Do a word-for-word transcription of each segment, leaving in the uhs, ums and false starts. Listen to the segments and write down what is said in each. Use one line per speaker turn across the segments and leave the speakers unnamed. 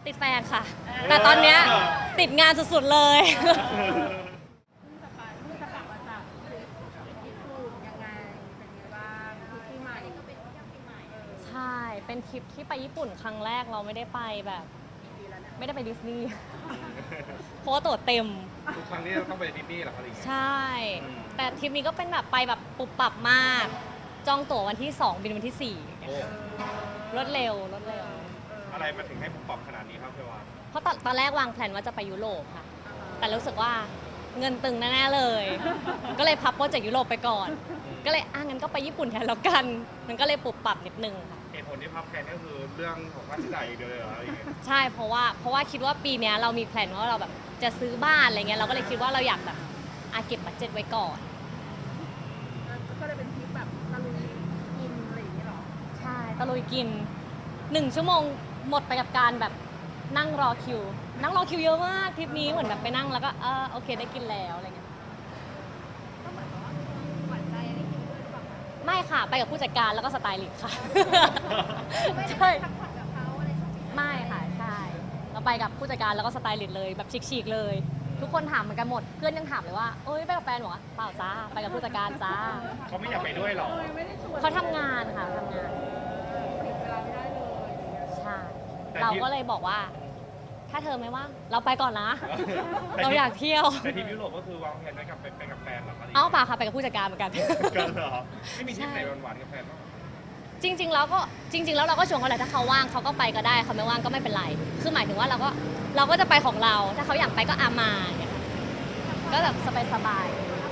ติดแฟนค่ะ แต่ตอนเนี้ยติดงานสุดๆเลย
เพิ่งจะไปเพิ่งจะกลับมาจากทริปญี่ปุ่นยังไงเป็นไงบ้างทริปปีใหม่ก็เป็นที่ปีใหม่เออ
ใช่ เป็นทริปที่ไปญี่ปุ่นครั้งแรกเราไม่ได้ไปแบบ
ปีแล้วเนี่ย
ไม่ได้ไปดิสนีย์ เพราะว่าตั๋วเต็ม
ทุกครั้งที่เราต้องไปดิสนีย์เหรอครับอะไรอย่างเงี้ย
ใช่ แต่ทริปนี้ก็เป็นแบบไปแบบปุบปับมาก จองตั๋ววันที่สองบินวันที่สี่
โอ้
รถเร็วรถเร็ว
อะไรมาถึงให้ผมปรับขนาดนี้ครับเพื่อนว่า
เพราะตอนตอนแรกวางแผนว่าจะไปยุโรปค่ะ แต่รู้สึกว่าเงินตึงแน่ๆเลย ก็เลยพับโปรเจกต์ยุโรปไปก่อน ก็เลยอ่ะงั้นก็ไปญี่ปุ่นแทนแล้วกัน มันก็เลยปรับปรับนิดนึงค่ะ
เหตุผลที่พับแผนก็คือเรื่องของค่าใช้จ่ายอย่างเดียวเลยเหรออะไรอย่างเงี้ย
ใช่ เพราะว่าเพราะว่าคิดว่าปีเนี้ยเรามีแผนว่าเราแบบจะซื้อบ้านอะไรเงี้ย เราก็เลยคิดว่าเราอยากแบบอาเก็บบัตเจ็ตไว้ก่อน
ก็เลยเป็นทริปแบบตะลุยกินอะไรอย่างเงี้ยเหรอ
ใช่ตะลุยกินหนึ่งชั่วโมงหมดไปกับการแบบนั่งรอคิว นั่งรอคิวเยอะมากทริปนี้เหมือนแบบไปนั่งแล้วก็เออโอเคได้กินแล้วอะไรเงี้ย
ก็เหมือนกับว่าหวานใจได้กินด้วยหรือเปล่าคะ
ไม่ค่ะไปกับผู้จัดการแล้วก็สไตลิสต์ค่ะ
ไม่ได้
ใช่
ไปพักผ่อนกับเขาอะไรใช่ไหม
ไม่ค่ะใช่เราไปกับผู้จัดการแล้วก็สไตลิสต์เลยแบบชิคๆเลย ทุกคนถามเหมือนกันหมดเพื่อนยังถามเลยว่าเอ้ยไปกับแฟนเหรอเปล่าจ้าไปกับผู้จัดการจ้า
เขาไม่อยากไปด้วยเหรอ
ไม่ได้ชวน
เขาทำงานค่ะทำงาน
ผิดเวลาไม่ได้เลยอย่างเงี้ย
ใช่
แต่ที่
เราก็เลยบอกว่า ถ้าเธอไม่ว่างเราไปก่อนนะ
แต่
เรา
ที่
อยากเที่ยว
แต่ทริปยุโรปก็คือวางแผนไว้กับไปไปกับแฟนเหรอครับ
เอ้าเปล่าค่ะไปกับผู้จัดการเหมือนกัน
กันเหรอไม่มีทริปไหนหวานๆกับแฟนบ้างเหรอ
จริง ๆ แล้วก็จริง ๆ แล้วเราก็ชวนเขาแหละถ้าเขาว่างเขาก็ไปก็ได้เขาไม่ว่างก็ไม่เป็นไร คือหมายถึงว่าเราก็เราก็จะไปของเรา ถ้าเขาอยากไปก็อามาอย่างเงี้ยค่ะก็แบบสบาย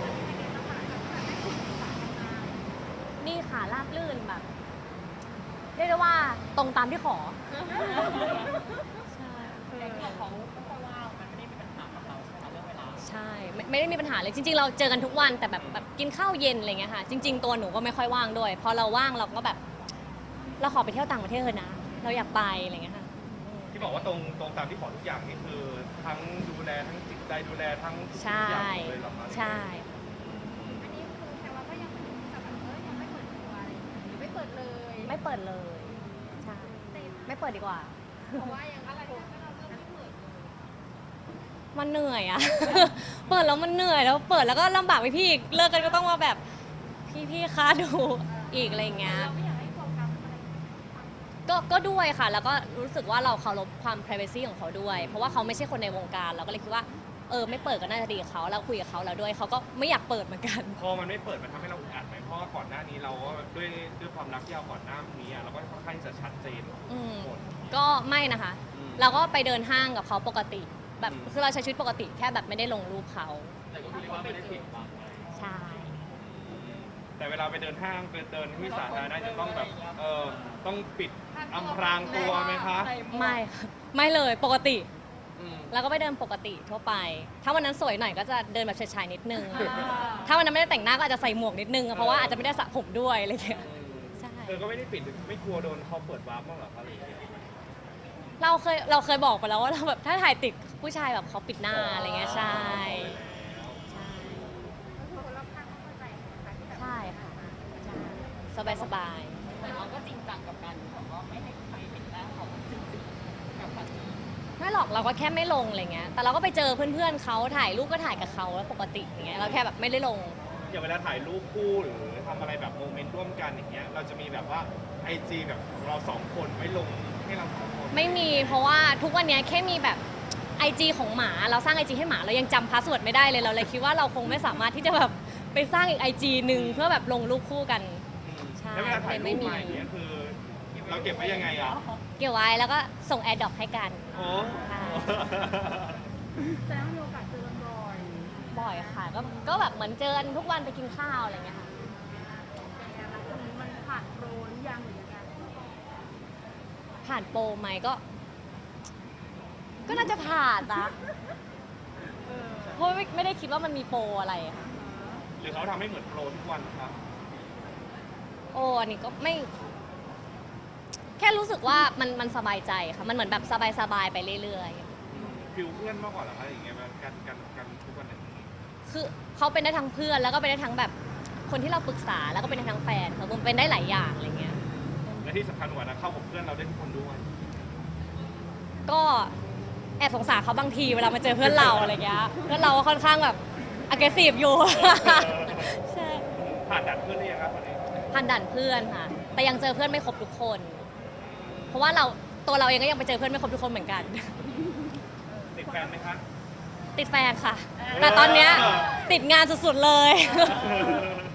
ๆนี่ค่ะราบลื่นแบบเรียกได้ว่าตรงตามที่ขอใช่
แต่ที่เขาเขาว่ามันไม่ได้มีปัญหากับเราใช่ไหมเรื่องเวลา
ใช่ไม่ไม่ได้มีปัญหาเลยจริง ๆ เราเจอกันทุกวันแต่แบบแบบกินข้าวเย็นอะไรเงี้ยค่ะจริง ๆ ตัวหนูก็ไม่ค่อยว่างด้วยพอเราว่างเราก็แบบ เราขอไปเที่ยวต่างประเทศเถอะนะ เราอยากไปอะไรเงี้ยค่ะ
ที่บอกว่าตรงตรงตามที่ขอทุกอย่างนี่คือทั้งดูแลทั้งจิตใจดูแลทั้งทุก
ใช่
อย่างเลยเหรอครับ
ใช่
อันนี้คือแค่ว่าก็ยังไม่แต่แบบเออยังไม่เปิดตัวอะไรอย่างเงี้ยหรือไม่เปิดเลย
ไม่เปิดเลย ใช่ ไม่เปิดดีกว่า
เพราะว่ายังอะไรที่เราเริ่มไม่เปิดเลย
มันเหนื่อยอะ เปิดแล้วมันเหนื่อยแล้วเปิดแล้วก็ลำบากไปพี่อีกเลิกกันก็ต้องมาแบบพี่พี่ๆคะดูอีกอะไรเงี้ย
เราไม่อยากให้โฟกัสอะไร
ก็ก็ด้วยค่ะ แล้วก็รู้สึกว่าเราเคารพความ privacy ของเขาด้วย เพราะว่าเขาไม่ใช่คนในวงการเราก็เลยคิดว่าเออไม่เปิดก็น่าจะดีกับเขาเราคุยกับเขาแล้วด้วยเขาก็ไม่อยากเปิดเหมือนกัน
พอมันไม่เปิดมันทำให้เราอึดอัดไหมเพราะว่าก่อนหน้านี้เราก็ด้วยด้วยความรักที่เราก่อนหน้านี้อะเราก็ค่อนข้างจะชัดเจน
อืม
หมด
ก็ไม่นะคะ
อืม
เราก็ไปเดินห้างกับเขาปกติ แบบ
อืม
คือเราใช้ชีวิตปกติแค่แบบไม่ได้ลงรูปเขา
แต่ก็เรียกว่าไม่ได้ผิดบัง
ใช่
แต่เวลาไปเดินห้างไปเดินที่สาธารณะจะต้องแบบเออต้องปิดอำพรางตัวไหมคะ
ไม่ค่ะไม่เลยปกติ
อืม
แล้วก็ไปเดินปกติทั่วไป ถ้าวันนั้นสวยหน่อยก็จะเดินแบบชายๆนิดนึง ถ้าวันนั้นไม่ได้แต่งหน้าก็อาจจะใส่หมวกนิดนึงเพราะว่าอาจจะไม่ได้สระผมด้วยอะไรอย่างเงี้ย ใช่
เธอก็ไม่ได้ปิดไม่กลัวโดนเขาเปิดวาร์ปบ้างเหรอคะอะไรอย่างเงี้ย
เราเคยเราเคยบอกไปแล้วว่าเราแบบถ้าถ่ายติดผู้ชายแบบเขาปิดหน้าอะไรเงี้ยใช่ใช่
ก็คือคนรอบข้างก็เข้าใจนะคะที่แบบ
ใช่ค่ะใช่สบายสบาย
แต่เราก็จริงจังกับการแบบว่าไม่ให้ใครเห็นหน้าเขาจริงๆกับปฏิ
ๆไม่หรอกเราก็แค่ไม่ลงอะไรเงี้ยแต่เราก็ไปเจอเพื่อนๆเขาถ่ายรูปก็ถ่ายกับเขาแล้วปกติอย่างเงี้ยเราแค่แบบไม่ได้ลง
อย่างเวลาถ่ายรูปคู่หรือทำอะไรแบบโมเมนต์ร่วมกันอย่างเงี้ยเราจะมีแบบว่าไอจีแบบของเราสองคนไว้ลงให้เราสองคน
ไม่มีเพราะว่าทุกวันนี้แค่มีแบบไอจีของหมาเราสร้างไอจีให้หมาเรายังจำพาสเวิร์ดไม่ได้เลยเราเลยคิดว่าเราคงไม่สามารถที่จะแบบไปสร้างอีกไอจีหนึ่งเพื่อแบบลงรูปคู่กัน ใช่
แล้วเวลาถ่ายรู
ไม่
ป
มี
มาอย่างเงี้ยคือเราเก็บไว้ยังไงอ่ะ
เกี่ยวไว้แล้วก็ส่งแอร์ดรอปให้กัน
โอ้
ค่ะ
แต่ว่ามีโอกาสเจอกันบ่อย
บ่อยค่ะก็ก็แบบเหมือนเจอกันทุกวันไปกินข้าวอะไรเงี้ยค่ะ
เป็นไงบ้างตรงนี้มันผ่านโปรหรือยังหรือยังไง
ผ่านโปรไหมก็ ก็น่าจะผ่านนะ
เออ
เพราะไม่ไม่ได้คิดว่ามันมีโปรอะไรค่ะ
หรือเขาทำให้เหมือนโปรทุกวันครับ
โอ้อันนี้ก็ไม่ แค่รู้สึกว่ามันมันสบายใจค่ะ มันเหมือนแบบสบายๆไปเรื่อยๆ
ฟิลเพื่อนมากกว่าเหรอคะอย่างเงี้ยแบบกันกันกันทุกวันเนี่ย
คือเขาเป็นได้ทั้งเพื่อนแล้วก็เป็นได้ทั้งแบบคนที่เราปรึกษาแล้วก็เป็นได้ทั้งแฟนค่ะมันเป็นได้หลายอย่างอะไรเงี้ย
และที่สำคัญกว่านะเข้ากับเพื่อนเราได้ทุกคนด้วย
ก็แอบสงสารเขาบางทีเวลามาเจอเพื่อนเราอะไรเงี้ยเพื่อนเราก็ค่อนข้างแบบ aggressive อยู่ ใช่
ผ่านด่านเพื่อนหรือยังครับตอนนี้
ผ่านด่านเพื่อนค่ะ แต่ยังเจอเพื่อนไม่ครบทุกคน เพราะว่าเราตัวเราเองก็ยังไปเจอเพื่อนไม่ครบทุกคนเหมือนกัน
ติดแฟนไหมคะ
ติดแฟนค่ะ แต่ตอนเนี้ยติดงานสุดๆเลย
เออ